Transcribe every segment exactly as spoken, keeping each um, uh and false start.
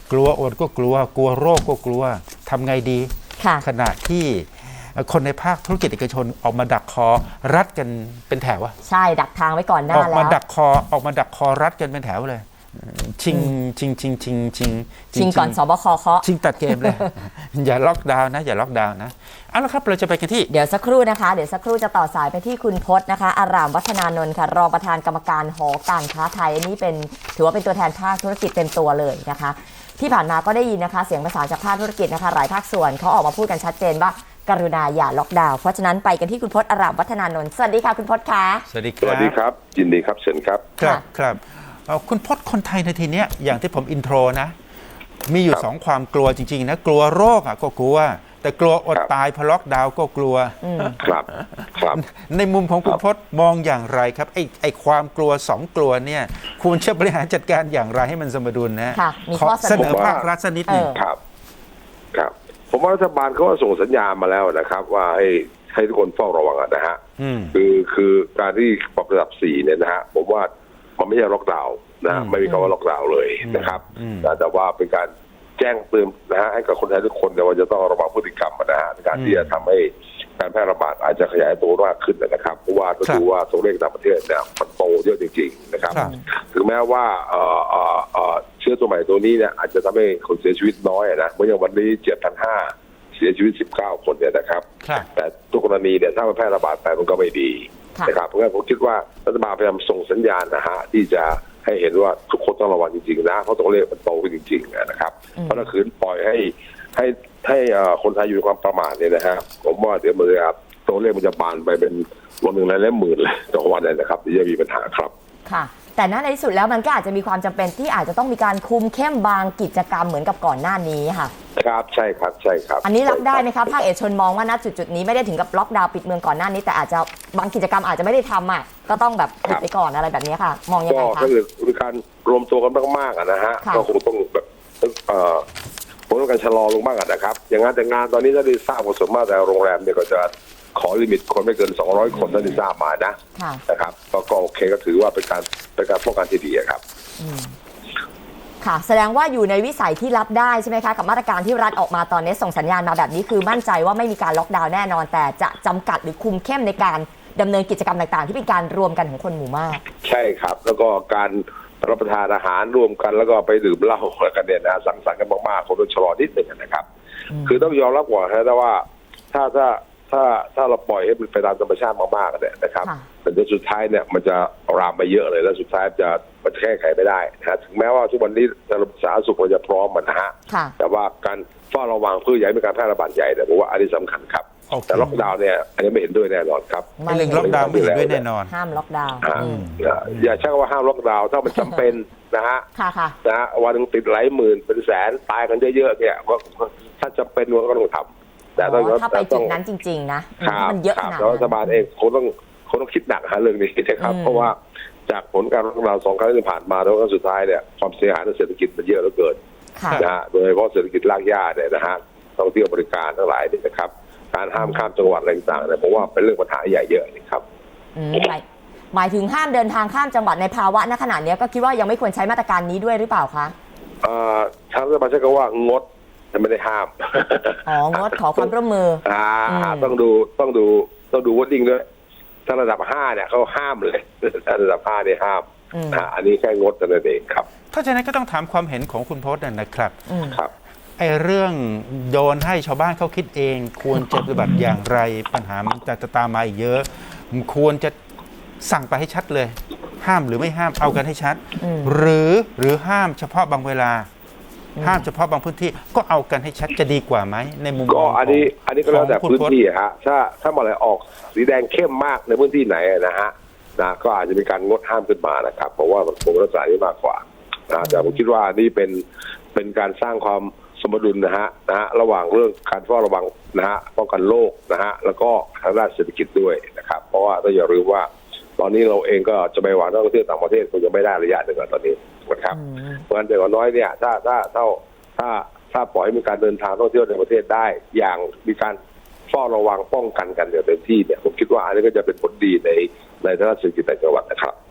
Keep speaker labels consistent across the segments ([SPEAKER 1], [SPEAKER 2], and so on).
[SPEAKER 1] กลัวอดก็กลัวกลัวโรคก็กลัวทำไงดีขณะที่คนในภาคธุรกิจเอกชนออกมาดักคอรัดกันเป็นแถวอะ
[SPEAKER 2] ใช่ดักทางไว้ก่อนหน้าแล้วอ
[SPEAKER 1] อกมาดักคอออกมาดักคอรัดกันเป็นแถวเลยชิงชิงชิงชิงชิง
[SPEAKER 2] ชิงก่อนสบคเคาะ
[SPEAKER 1] ชิงตัดเกมเลยอย่าล็อกดาวน์นะอย่าล็อกดาวน์นะเอาละครับเราจะไปกันที่
[SPEAKER 2] เดี๋ยวสักครู่นะคะเดี๋ยวสักครู่จะต่อสายไปที่คุณพจน์นะคะอารามวัฒนานนท์ค่ะรองประธานกรรมการหอการค้าไทยอันนี้เป็นถือว่าเป็นตัวแทนภาคธุรกิจเต็มตัวเลยนะคะที่ผ่านมาก็ได้ยินนะคะเสียงประสานจากภาคธุรกิจนะคะหลายภาคส่วนเขาออกมาพูดกันชัดเจนว่ากรุณาอย่าล็อกดาวน์เพราะฉะนั้นไปกันที่คุณพจน์อารามวัฒนานนท์สวัสดีค่ะคุณพจน์คะ
[SPEAKER 1] สวัสดีค
[SPEAKER 3] รับสวัสดีครับยินดีครับเชิญครับ
[SPEAKER 1] ครับครับคุณพจน์คนไทยในทีเนี้ยอย่างที่ผมอินโทรนะมีอยู่สองความกลัวจริงๆนะกลัวโรคอ่ะก็กลัวแต่กลัวอดตายพอล็อกดาวน์ก็กลัว
[SPEAKER 3] ครับครับ
[SPEAKER 1] ในมุมของคุณพจน์มองอย่างไรครับไอ้ไอ้ความกลัวสองกลัวเนี่ยคุณจะบริหารจัดการอย่างไรให้มันสมดุลนะขอเสนอภาครัฐสักนิดหนึ่ง
[SPEAKER 3] ครับครับผมว่ารัฐบาลเขาส่งสัญญาณมาแล้วนะครับว่าให้ให้ทุกคนเฝ้าระวังนะฮะคือคือการที่ปรับระดับสี่เนี่ยนะฮะผมว่ามันไม่ใช่ล็อกดาวน์นะไม่มีคำว่าล็อกดาวน์เลยนะครับแต่ว่าเป็นการแจ้งเตือนนะฮะให้กับคนไทยทุกคนเนี่ยว่าจะต้องระวังพฤติกรรมนะฮะในการที่จะทำให้การแพร่ระบาดอาจจะขยายตัวมากขึ้นนะครับเพราะว่าก็ดูว่าตัวเลขต่างประเทศเนี่ยมันโตเยอะจริงๆนะครับถึงแม้ว่าเชื้อตัวใหม่ตัวนี้เนี่ยอาจจะทำให้คนเสียชีวิตน้อยนะเมื่ออย่างวันนี้เจ็ดพันห้าเสียชีวิตสิบเก้าคนเนี่ยนะครับแต่ทุกกรณีเนี่ยถ้ามันแพร่ระบาดไปมันก็ไม่ดีนะครับเพราะงั้นผมคิดว่ารัฐบาลพยายามส่งสัญญาณนะฮะที่จะให้เห็นว่าทุกคนต้องระวังจริงๆนะเพราะตัวเลขมันโตขึ้นจริงๆนะครับเพราะถ้าคืนปล่อยให้ให้ให้คนไทยอยู่ในความประมาทเนี่ยนะฮะผมว่าเดี๋ยวมือตัวเลขมันจะบานไปเป็นวันหนึ่งหลายหมื่นเลยต่อวันเลยนะครับที่จะมีปัญหาครับ
[SPEAKER 2] ค่ะแต่ในที่สุดแล้วมันก็อาจจะมีความจำเป็นที่อาจจะต้องมีการคุมเข้มบางกิจกรรมเหมือนกับก่อนหน้านี้ค่ะ
[SPEAKER 3] ครับใช่ครับใช่ครับ
[SPEAKER 2] อันนี้รับได้ไหมครับภาคเอกชนมองว่าณจุดจุดนี้ไม่ได้ถึงกับล็อกดาวน์ปิดเมืองก่อนหน้านี้แต่อาจจะบางกิจกรรมอาจจะไม่ได้ทำอ่ะก็ต้องแบบหยุดไปก่อนอะไรแบบนี้ค่ะมองยังไงคะ
[SPEAKER 3] ก็คือการรวมตัวกันมากๆนะฮะก็คงต้องแบบเอ่อผมต้องการชะลอลงบ้างนะครับอย่างงานแต่งงานตอนนี้ถ้าได้ทราบว่าส่วนมากแต่โรงแรมเนี่ยก็จะขอลิมิตคนไม่เกินสองร้อยคนถ้าได้ทราบมานะนะครับก็โอเคก็ถือว่าเป็นการเป็นการป้องกันที่ดีครับ
[SPEAKER 2] ค่ะแสดงว่าอยู่ในวิสัยที่รับได้ใช่ไหมคะกับมาตรการที่รัฐออกมาตอนนี้ส่งสัญญาณมาแบบนี้คือมั่นใจว่าไม่มีการล็อกดาวน์แน่นอนแต่จะจำกัดหรือคุมเข้มในการดำเนินกิจกรรมต่างๆที่เป็นการรวมกันของคนหมู่มาก
[SPEAKER 3] ใช่ครับแล้วก็การรับประทานอาหารร่วมกันแล้วก็ไปดื่มเหล้ากันเนี่ยนะสังสรรค์กันมากๆคนต้องชะลอนิดหนึ่งนะครับคือต้องยอมรับก่อนนะว่าถ้าถ้าถ้าถ้าเราปล่อยให้มันไปตามธรรมชาติมากๆเนี่ยนะครับแต่สุดท้ายเนี่ยมันจะรามไปเยอะเลยแล้วสุดท้ายจะมันแก้ไขไม่ได้นะถึงแม้ว่าทุกวันนี้ระบบสาธารณสุขเราจะพร้อมมันนะฮะแต่ว่าการเฝ้าระวังเพื่ออย่าให้มีการแพร่ระบาดใหญ่เนี่ยผมว่าอันนี้สำคัญครับแต่ล็อกดาวน์เนี่ยอันนี้ไม่เห็นด้วยแน่นอนครับ
[SPEAKER 1] ไม่เรื่องล็อกดาวน์ไม่เห็นด้วยแน่นอน
[SPEAKER 2] ห้ามล็อกดาวน์
[SPEAKER 3] อย่าใช้คำว่าห้ามล็อกดาวน์ถ้ามันจำเป็นนะฮะนะวันนึงติดหลายหมื่นเป็นแสนตายกันเยอะๆเนี่ยถ้าจำเป็นก็ต้องทำ
[SPEAKER 2] แต่ถ้าไปจุดนั้นจริงๆนะมันเยอะขนาดนั้น
[SPEAKER 3] รัฐบาลเองคงต้องคงต้องคิดหนักหาเรื่องนี้นะครับเพราะว่าจากผลการล็อกดาวน์สองครั้งที่ผ่านมาแล้วก็สุดท้ายเนี่ยความเสียหายทางเศรษฐกิจมันเยอะเหลือเกินนะฮะโดยเฉพาะเศรษฐกิจรากหญ้าเนี่ยนะฮะท่องเที่ยวบริการทั้งหลายนี่นะครับการห้ามข้ามจังหวัดอะไรต่างๆเนี่ยผมว่าเป็นเรื่องปัญหาใหญ่เยอะนะครับ
[SPEAKER 2] หมายถึงห้ามเดินทางข้ามจังหวัดในภาวะณขณะนี้ก็คิดว่ายังไม่ควรใช้มาตรการนี้ด้วยหรือเปล่าคะ
[SPEAKER 3] ทางรัฐบาลใช้คำว่างดแต่ไม่ได้ห้าม
[SPEAKER 2] อ๋องดขอความร่วมมือ
[SPEAKER 3] อ่าต้องดูต้องดูต้องดูวอดดิ้งด้วยถ้าระดับห้าเนี่ยเขาห้ามเลยถ้าระดับห้าเนี่ยห้ามอ่าอันนี้แค่งดแต่นั่นเองครับ
[SPEAKER 1] ถ้าฉะนั้นก็ต้องถามความเห็นของคุณพจน์นะครับ
[SPEAKER 3] ครับ
[SPEAKER 1] ไอ้เรื่องโยนให้ชาวบ้านเขาคิดเองควรจะปฏิบัติอย่างไรปัญหามันจะตามมาอีกเยอะควรจะสั่งไปให้ชัดเลยห้ามหรือไม่ห้ามเอากันให้ชัดหรือหรือห้ามเฉพาะบางเวลาห้ามเฉพาะบางพื้นที่ก็เอากันให้ชัดจะดีกว่าไหมในมุม
[SPEAKER 3] ก็อันนี้อันนี้ก็แล้วแต่พื้นที่ฮะถ้าถ้าเมื่อไหร่ออกสีแดงเข้มมากในพื้นที่ไหนนะฮะนะก็อาจจะมีการงดห้ามขึ้นมานะครับเพราะว่ามันคงรักษาได้มากกว่านะแต่ผมคิดว่านี่เป็นเป็นการสร้างความสมดุลนะฮะนะฮะระหว่างเรื่องการเฝ้าระวังนะฮะป้องกันโรคนะฮะแล้วก็ทางด้านเศรษฐกิจด้วยนะครับเพราะว่าต้องอย่าลืมว่าตอนนี้เราเองก็จะไปหวังนักท่องเที่ยวต่างประเทศคงจะไม่ได้ระยะหนึ่งตอนนี้นะครับเพราะฉะนั้นแต่ก็น้อยเนี่ยถ้าถ้าถ้าถ้าถ้าปล่อยให้มีการเดินทางท่องเที่ยวในประเทศได้อย่างมีการเฝ้าระวังป้องกันกันอย่างเต็มที่เนี่ยผมคิดว่าอันนี้ก็จะเป็นผลดีในในทางเศรษฐกิจในจังหวัดนะครับ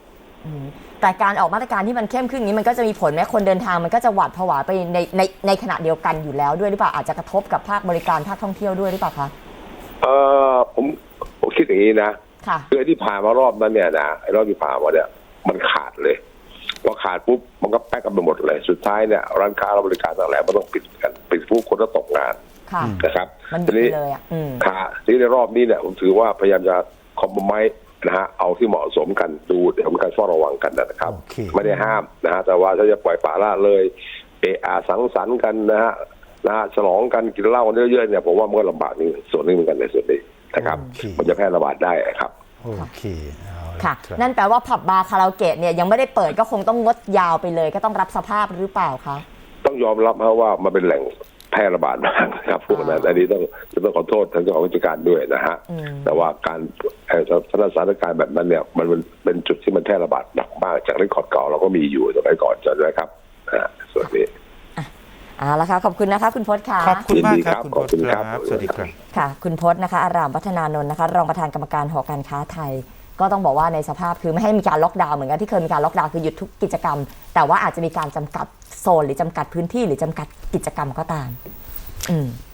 [SPEAKER 2] อืมแต่การออกมาตรการที่มันเข้มขึ้นอย่างนี้มันก็จะมีผลไหมคนเดินทางมันก็จะหวาดผวาไปในในในขณะเดียวกันอยู่แล้วด้วยหรือเปล่าอาจจะกระทบกับภาคบริการภาคท่องเที่ยวด้วยหรือเปล่าคะ
[SPEAKER 3] เออผมผมคิดอย่างนี้นะ
[SPEAKER 2] ค่ะ
[SPEAKER 3] คือที่ผ่านมารอบนั้นเนี่ยนะไอ้รอบที่ผ่านมาเนี่ยมันขาดเลยพอขาดปุ๊บมันก็แป๊กกันไปหมดเลยสุดท้ายเนี่ยร้านค้าและบริการต่างๆมันต้องปิดกันปิดปุ๊บคนก็ตกงาน
[SPEAKER 2] ค่ะ
[SPEAKER 3] นะครับ
[SPEAKER 2] มัน
[SPEAKER 3] ที
[SPEAKER 2] ดี
[SPEAKER 3] นี้
[SPEAKER 2] เลยอ่ะอืม
[SPEAKER 3] ค่ะทีนี้ในรอบนี้เนี่ยผมถือว่าพยายามจะคอมโพไมซ์นะฮะเอาที่เหมาะสมกันดูเดี๋ยวกันเฝ้าระวังกันนะครับ
[SPEAKER 1] โอเค
[SPEAKER 3] ไม่ได้ห้ามนะฮะแต่ว่าถ้าจะปล่อยปละละเลยเอะอาสังสรรค์กันนะฮะนะฮะฉลองกันกินเหล้ากันเยอะๆเนี่ยผมว่ามันก็ลำบากนี่ส่วนนึงเหมือนกันในส่วนนี้นะครับ
[SPEAKER 1] โอเค
[SPEAKER 3] มันจะแพร่ระบาดได้ครับ
[SPEAKER 1] โอเคเอาละ
[SPEAKER 2] ค่ะ
[SPEAKER 1] ครับ
[SPEAKER 2] นั่นแปลว่าผับบาร์คาราโอเกะเนี่ยยังไม่ได้เปิดก็คงต้องงดยาวไปเลย ก็ต้องรับสภาพหรือเปล่าคะ
[SPEAKER 3] ต้องยอมรับนะว่ามันเป็นแหล่งแพร่ระบาดมากนะครับพวกนั้นอันนี้ต้องต้องขอโทษทางเจ้าของกิจการด้วยนะฮะ
[SPEAKER 2] อืม
[SPEAKER 3] แต่ว่าการเอ่อสถานการณ์แบบนั้นเนี่ยมันมันเป็นจุดที่มันแพร่ระบาดหนักมากจากเรื่องขอดเก่าเราก็มีอยู่สมัยก่อนจำได้ครับอ่าส่วนนี้
[SPEAKER 2] เอาละค่ะขอบคุณนะคะคุณพจน์ค่ะ
[SPEAKER 1] ขอบคุณมากครับ
[SPEAKER 3] ยินดีครับ
[SPEAKER 1] คุณ
[SPEAKER 3] ข
[SPEAKER 1] พ
[SPEAKER 3] อบ
[SPEAKER 1] จ
[SPEAKER 3] คุณ
[SPEAKER 1] น์ค
[SPEAKER 3] ครั
[SPEAKER 1] รับ
[SPEAKER 3] บ
[SPEAKER 1] สวัสดีครับ
[SPEAKER 2] ค่ะ คุณพจน์นะคะอารามวัฒนานนท์นะคะรองประธานกรรมการหอการค้าไทย ก็ต้องบอกว่าในสภาพคือไม่ให้มีการล็อกดาวน์เหมือนกันที่เคยมีการล็อกดาวน์คือหยุดทุกกิจกรรม แต่ว่าอาจจะมีการจำกัดโซนหรือจำกัดพื้นที่หรือจำกัดกิจกรรมก็ตาม อืม